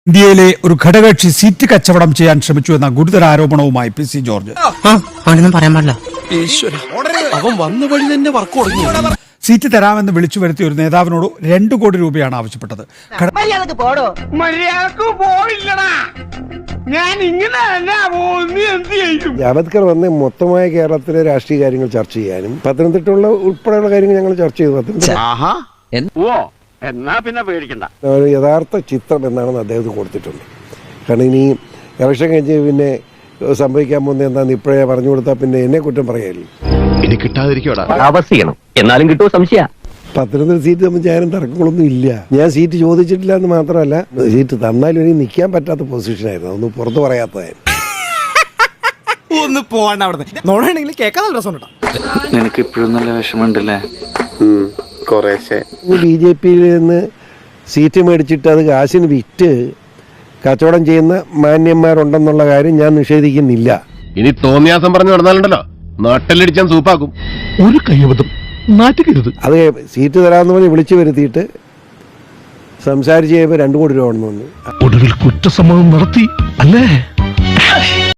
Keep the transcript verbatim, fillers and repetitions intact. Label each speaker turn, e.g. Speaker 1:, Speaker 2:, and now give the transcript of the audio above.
Speaker 1: ഇന്ത്യയിലെ ഒരു ഘടകകക്ഷി സീറ്റ് കച്ചവടം ചെയ്യാൻ ശ്രമിച്ചു എന്ന ഗുരുതര ആരോപണവുമായി പി സി ജോർജ്.
Speaker 2: പറയാൻ പാടില്ല.
Speaker 3: അവൻ വന്ന വഴി തന്നെ വർക്ക് തുടങ്ങി.
Speaker 1: സീറ്റ് തരാമെന്ന് വിളിച്ചു വരുത്തിയ ഒരു നേതാവിനോട് രണ്ടു കോടി രൂപയാണ് ആവശ്യപ്പെട്ടത്.
Speaker 4: ജാവദ്കർ വന്ന് മൊത്തമായ കേരളത്തിലെ രാഷ്ട്രീയ കാര്യങ്ങൾ ചർച്ച ചെയ്യാനും പത്തനംതിട്ടയുള്ള ഉൾപ്പെടെയുള്ള കാര്യങ്ങൾ ഞങ്ങൾ ചർച്ച ചെയ്തു. പത്തനംതിട്ട
Speaker 5: എന്നാ പിന്നെ പേടിക്കണ്ട.
Speaker 4: യഥാർത്ഥ ചിത്രം എന്താണെന്ന് അദ്ദേഹത്തിന് കൊടുത്തിട്ടുണ്ട്. കാരണം ഇനി ഇലക്ഷൻ കഴിഞ്ഞ് പിന്നെ സംഭവിക്കാൻ പോകുന്നത് എന്താണെന്ന് ഇപ്പോഴേ പറഞ്ഞു കൊടുത്താൽ പിന്നെ എന്നെ കുറ്റം പറയാനില്ല.
Speaker 5: ഇനി കിട്ടാതിരിക്കോടാ
Speaker 2: അവസ്ഥയാണ്. എന്നാലും കിട്ടുമോ സംശയ.
Speaker 4: പത്തനംതിട്ട സീറ്റ് തമ്മിൽ ഞാനും തർക്കങ്ങളൊന്നും ഇല്ല. ഞാൻ സീറ്റ് ചോദിച്ചിട്ടില്ല എന്ന് മാത്രമല്ല, സീറ്റ് തന്നാലും എനിക്ക് നിൽക്കാൻ പറ്റാത്ത പൊസിഷനായിരുന്നു. അതൊന്നും പുറത്ത് പറയാത്തതായിരുന്നു.
Speaker 3: ഒന്ന് പോവാണ്ട അവിടെ നോടാണെങ്കിൽ കേൾക്കാൻ നല്ല രസമുണ്ടോ?
Speaker 6: നിനക്ക് ഇപ്പോഴും നല്ല വിഷമമുണ്ടല്ലേ?
Speaker 4: ബി ജെ പിയിൽ നിന്ന് സീറ്റ് മേടിച്ചിട്ട് അത് കാശിന് വിറ്റ് കച്ചവടം ചെയ്യുന്ന മാന്യന്മാരുണ്ടെന്നുള്ള കാര്യം ഞാൻ നിഷേധിക്കുന്നില്ല.
Speaker 7: ഇനി തോന്നിയാസം പറഞ്ഞു നടന്നാലുണ്ടല്ലോ നാട്ടിലടിച്ചാൻ സൂപ്പാക്കും.
Speaker 8: ഒരു കൈവതം നാറ്റുകരുത്.
Speaker 4: അത് സീറ്റ് തരാമെന്ന് പറഞ്ഞ് വിളിച്ചു വരുത്തിയിട്ട് സംസാരിച്ച് കഴിയുമ്പോൾ രണ്ടു കോടി രൂപ വേണമെന്ന് പറഞ്ഞു.
Speaker 8: ഒടുവിൽ കുറ്റസമ്മതം നടത്തി അല്ലേ?